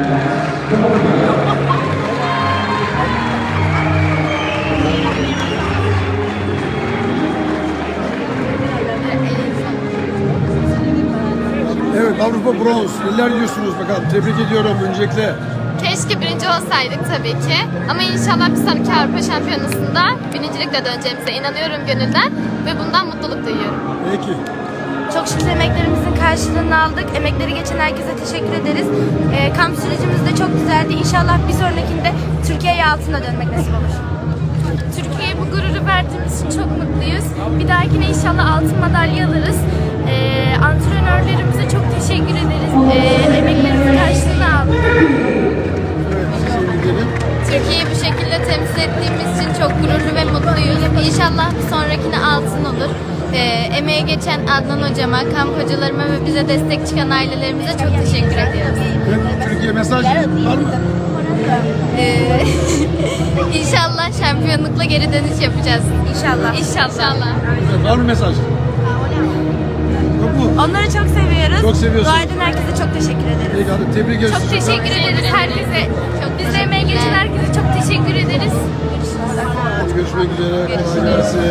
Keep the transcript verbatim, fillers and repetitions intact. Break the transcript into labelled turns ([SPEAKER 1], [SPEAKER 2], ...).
[SPEAKER 1] Evet, Avrupa bronz. Neler diyorsunuz bakalım? Tebrik ediyorum öncelikle.
[SPEAKER 2] Keşke birinci olsaydık tabii ki. Ama inşallah bir sonraki Avrupa Şampiyonası'nda birincilikle döneceğimize inanıyorum gönülden. Ve bundan mutluluk duyuyorum.
[SPEAKER 1] Peki.
[SPEAKER 3] Çok şükür emeklerimizin karşılığını aldık. Emekleri geçen herkese teşekkür ederiz. Ee, kamp sürecimiz de çok güzeldi. İnşallah bir sonrakinde Türkiye'ye altına dönmek nasip olur.
[SPEAKER 2] Türkiye'ye bu gururu verdiğimiz için çok mutluyuz. Bir dahakine inşallah altın madalya alırız. Ee, antrenörlerimize çok teşekkür ederiz. Ee, emeklerimizin karşılığını aldık.
[SPEAKER 1] Evet, size gidelim.
[SPEAKER 2] Türkiye'yi bu şekilde temsil ettiğimiz için çok gururlu ve mutluyuz. İnşallah bir sonrakine altın olur. Ee, emeğe geçen Adnan hocama, kamp hocalarıma ve bize destek çıkan ailelerimize çok teşekkür ediyoruz.
[SPEAKER 1] Evet, Türkiye mesaj var mı?
[SPEAKER 2] Ee, İnşallah şampiyonlukla geri dönüş yapacağız.
[SPEAKER 3] İnşallah.
[SPEAKER 2] İnşallah.
[SPEAKER 1] Evet, var mı mesaj? Yok mu?
[SPEAKER 3] Onları çok seviyoruz.
[SPEAKER 1] Çok seviyorsun.
[SPEAKER 3] Dua eden herkese çok teşekkür ederiz.
[SPEAKER 1] Peki, hadi tebrik ediyoruz.
[SPEAKER 2] Çok teşekkür ederiz herkese. Çok bize emeğe geçen herkese çok teşekkür ederiz.
[SPEAKER 1] Görüşmek üzere. Kolay gelsin.